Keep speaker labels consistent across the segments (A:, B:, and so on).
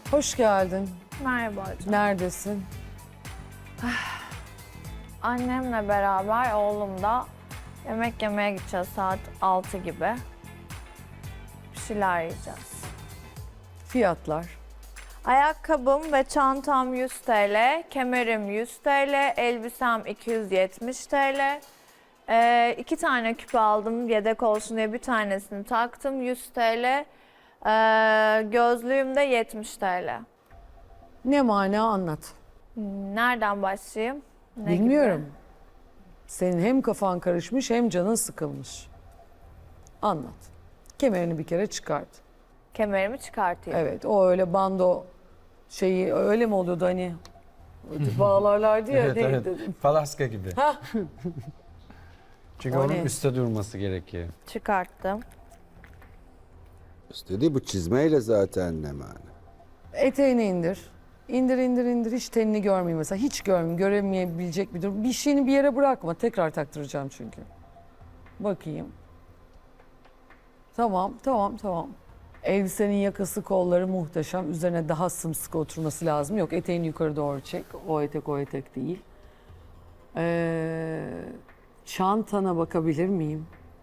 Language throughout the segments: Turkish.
A: Hoş geldin.
B: Merhaba hocam.
A: Neredesin?
B: Annemle beraber oğlum da yemek yemeye gideceğiz saat 6 gibi. Bir şeyler yiyeceğiz.
A: Fiyatlar.
B: Ayakkabım ve çantam 100 TL, kemerim 100 TL, elbisem 270 TL. 2 tane küpe aldım yedek olsun diye bir tanesini taktım 100 TL. Gözlüğüm de 70 TL.
A: Ne mana anlat.
B: Nereden başlayayım? Ne
A: Bilmiyorum.
B: gibi?
A: Senin hem kafan karışmış hem canın sıkılmış. Anlat. Kemerini bir kere çıkart.
B: Kemerimi çıkartayım.
A: Evet, o öyle bando şeyi öyle mi oluyordu hani? Bağlarlardı ya.
C: Evet,
A: neydi?
C: evet. Falaska gibi.
A: Hah.
C: Çünkü
A: O
C: onun
A: ne?
C: üstte durması gerekiyor.
B: Çıkarttım.
D: İstediği bu çizmeyle zaten ne mana?
A: Eteğini indir. İndir indir indir. Hiç tenini görmeyeyim mesela. Hiç görmeyeyim. Göremeyebilecek bir durum. Bir şeyini bir yere bırakma. Tekrar taktıracağım çünkü. Bakayım. Tamam, tamam, tamam. Elbisenin yakası, kolları muhteşem. Üzerine daha sımsıkı oturması lazım. Yok, eteğini yukarı doğru çek. O etek o etek değil. Çantana bakabilir miyim?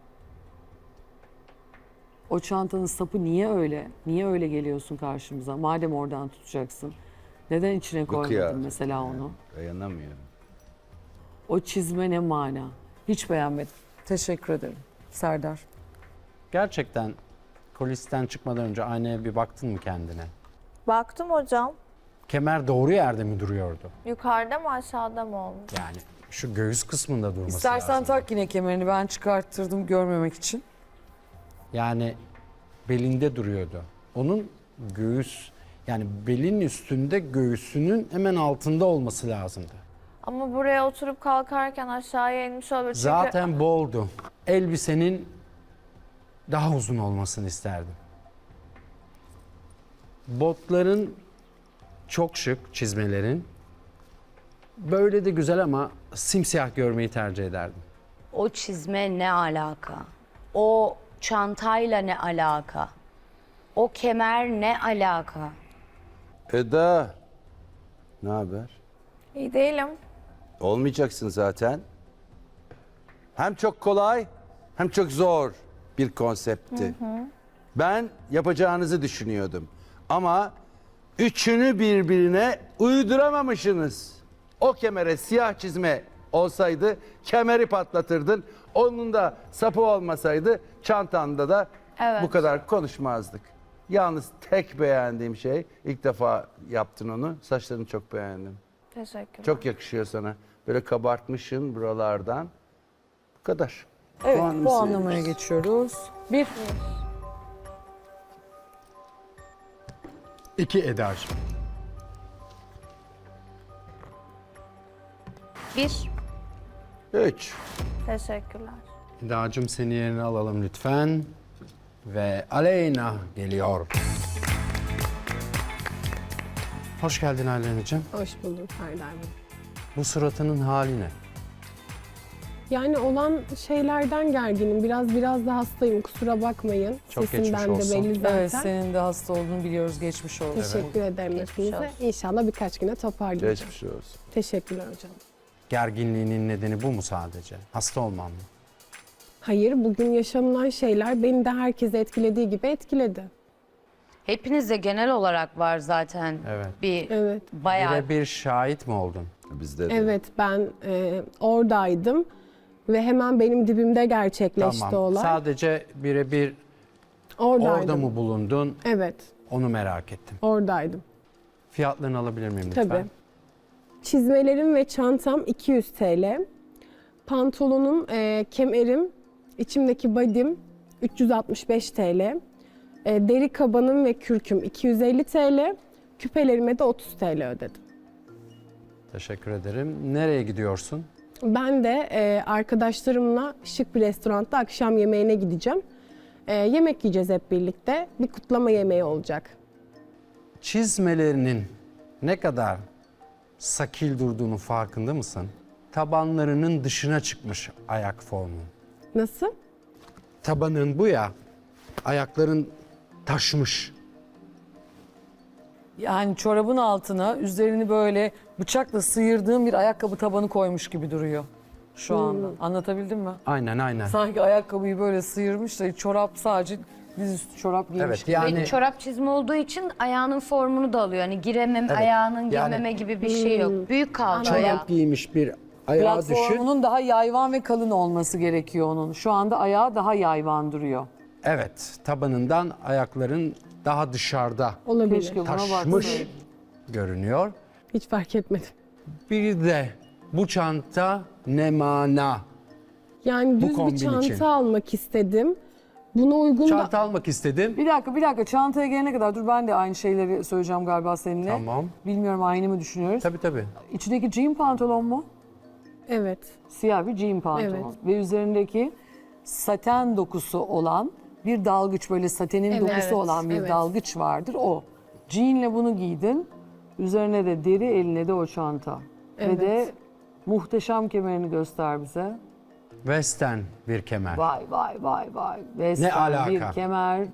A: O çantanın sapı niye öyle? Niye öyle geliyorsun karşımıza? Madem oradan tutacaksın. Neden içine koymadın
D: kıyafet
A: mesela
D: yani.
A: onu?
D: Dayanamıyorum.
A: O çizme ne mana? Hiç beğenmedim. Teşekkür ederim. Serdar.
C: Gerçekten kulisten çıkmadan önce aynaya bir baktın mı kendine?
B: Baktım hocam.
C: Kemer doğru yerde mi duruyordu?
B: Yukarıda mı aşağıda mı olmuş?
C: Yani şu göğüs kısmında durması
A: İstersen
C: lazım.
A: tak yine kemerini. Ben çıkarttırdım görmemek için.
C: Yani belinde duruyordu. Onun göğüs, yani belin üstünde göğsünün hemen altında olması lazımdı.
B: Ama buraya oturup kalkarken aşağıya inmiş olabilir. Çünkü
C: Zaten boldu. Elbisenin daha uzun olmasını isterdim. Botların çok şık, çizmelerin. Böyle de güzel ama simsiyah görmeyi tercih ederdim.
E: O çizme ne alaka? O çantayla ne alaka? O kemer ne alaka?
D: Eda, ne haber?
B: iyi değilim.
D: Olmayacaksın zaten. Hem çok kolay hem çok zor bir konseptti. Ben yapacağınızı düşünüyordum. Ama üçünü birbirine uyduramamışsınız. O kemere siyah çizme olsaydı kemeri patlatırdın. Onun da sapı olmasaydı çantanda da
B: Evet.
D: bu kadar konuşmazdık. Yalnız tek beğendiğim şey, ilk defa yaptın onu, saçlarını çok beğendim.
B: Teşekkürler.
D: Çok yakışıyor sana. Böyle kabartmışsın buralardan. Bu kadar.
A: Evet,
D: Puanımı
A: puanlamaya
D: seviyoruz.
A: geçiyoruz. Bir.
C: 2 Eda'cığım.
E: 1.
D: 3.
B: Teşekkürler.
C: Eda'cığım seni yerine alalım lütfen. Ve Aleyna geliyor. Hoş geldin Aleyna'cığım.
F: Hoş bulduk Serdar Bey.
C: Bu suratının hali ne?
F: Yani olan şeylerden gerginim. Biraz da hastayım. Kusura bakmayın.
C: Çok geçmiş
F: Sesimden de
C: olsun.
F: belli zaten.
A: Evet, senin de hasta olduğunu biliyoruz. Geçmiş olsun.
F: Teşekkür ederim hepinize.
B: olsun.
F: İnşallah birkaç güne toparlayacağım.
D: Geçmiş olsun.
F: Teşekkürler hocam.
C: Gerginliğinin nedeni bu mu sadece? Hasta olman mı?
F: Hayır, bugün yaşanılan şeyler beni de herkese etkilediği gibi etkiledi.
E: Hepinizde genel olarak var zaten.
C: Evet.
E: Bir
F: Evet.
E: bayağı
C: Birebir şahit mi oldun?
D: Bizde de.
F: Evet, ben oradaydım ve hemen benim dibimde gerçekleşti
C: Tamam.
F: olay.
C: Sadece birebir
F: Oradaydım.
C: orada mı bulundun?
F: Evet,
C: Onu merak ettim.
F: oradaydım.
C: Fiyatlarını alabilir miyim lütfen?
F: Tabii. Çizmelerim ve çantam 200 TL. Pantolonum, kemerim, içimdeki body'm 365 TL. Deri kabanım ve kürküm 250 TL. Küpelerime de 30 TL ödedim.
C: Teşekkür ederim. Nereye gidiyorsun?
F: Ben de arkadaşlarımla şık bir restoranda akşam yemeğine gideceğim. Yemek yiyeceğiz hep birlikte. Bir kutlama yemeği olacak.
C: Çizmelerinin ne kadar sakil durduğunu farkında mısın? Tabanlarının dışına çıkmış ayak formun.
F: Nasıl?
C: Tabanın bu ya, ayakların taşmış.
A: Yani çorabın altına üzerini böyle bıçakla sıyırdığım bir ayakkabı tabanı koymuş gibi duruyor şu anda. Anlatabildim mi?
C: Aynen aynen.
A: Sanki ayakkabıyı böyle sıyırmış da çorap sadece dizüstü çorap giymiş
C: Evet
A: gibi.
C: yani
E: Ve çorap çizme olduğu için ayağının formunu da alıyor. Hani giremem, ayağının girmeme gibi bir şey yok. Büyük kalça ayağı.
C: çorap giymiş bir ayağı düşün.
A: Platformunun daha yayvan ve kalın olması gerekiyor onun. Şu anda ayağı daha yayvan duruyor.
C: Evet, tabanından ayakların daha dışarıda
F: Olabilir.
A: Keşke buna
C: taşmış
A: baksaydım.
C: görünüyor.
F: Hiç fark etmedim.
C: Bir de bu çanta ne mana?
F: Yani düz
C: kombin
F: bir çanta
C: için.
F: almak istedim. Buna uygun da
C: Çanta almak istedim.
A: Bir dakika. Çantaya gelene kadar dur ben de aynı şeyleri söyleyeceğim galiba seninle.
C: Tamam.
A: Bilmiyorum aynı mı düşünüyoruz?
C: Tabii.
A: İçindeki jean pantolon mu?
F: evet.
A: Siyah bir jean pantolon.
F: Evet.
A: Ve üzerindeki saten dokusu olan bir dalgıç, böyle satenin
F: Evet.
A: dokusu
F: Evet,
A: olan bir
F: evet.
A: dalgıç vardır o. Jeanle bunu giydin. Üzerine de deri, eline de o çanta.
F: Evet.
A: Ve de muhteşem kemerini göster bize.
C: Western bir kemer.
A: Vay. Western
C: alaka?
A: bir kemer.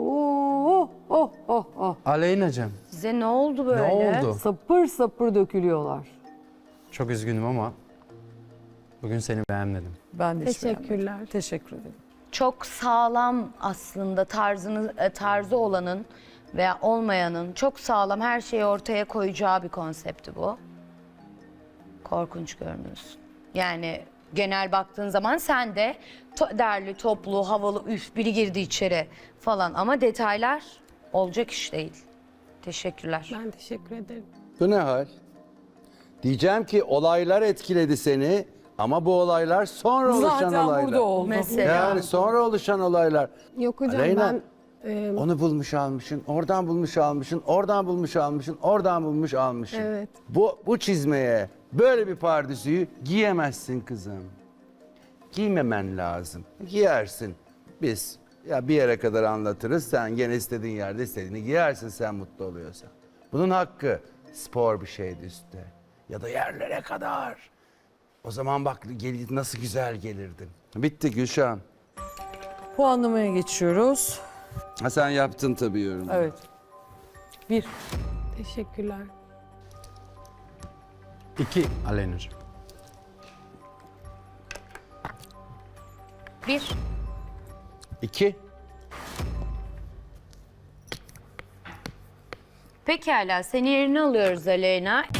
A: Oh.
C: Aleyna'cığım
E: Size ne oldu böyle?
C: ne oldu?
A: Sapır sapır dökülüyorlar.
C: Çok üzgünüm ama bugün seni beğenmedim.
A: Ben de hiç beğenmedim.
F: Teşekkürler.
A: Teşekkür ederim.
E: Çok sağlam aslında tarzı olanın veya olmayanın çok sağlam her şeyi ortaya koyacağı bir konsepti bu. Korkunç görünüyorsun. Yani genel baktığın zaman sen de derli, toplu, havalı, üf biri girdi içeri falan ama detaylar olacak iş değil. Teşekkürler.
F: Ben teşekkür ederim.
D: Bu ne hal? Diyeceğim ki olaylar etkiledi seni ama bu olaylar sonra oluşan
A: Zaten
D: olaylar.
A: burada oldu.
E: Mesela.
D: Yani sonra oluşan olaylar.
F: Yok hocam
D: Aleyna,
F: ben
D: onu bulmuş almışsın, oradan bulmuş almışsın, oradan bulmuş almışsın, oradan bulmuş almışsın.
F: Evet.
D: Bu çizmeye böyle bir pardüsüyü giyemezsin kızım. Giymemen lazım. Giyersin. Biz ya bir yere kadar anlatırız. Sen gene istediğin yerde istediğini giyersin sen mutlu oluyorsan. Bunun hakkı spor bir şeydi üstte. Ya da yerlere kadar. O zaman bak nasıl güzel gelirdin. Bitti Gülşah'ım.
A: Puanlamaya geçiyoruz.
D: Ha sen yaptın tabii yorum.
A: Evet. 1.
F: teşekkürler.
C: 2 Aleyna'cığım.
E: 1.
D: 2.
E: Pekala seni yerine alıyoruz Aleyna.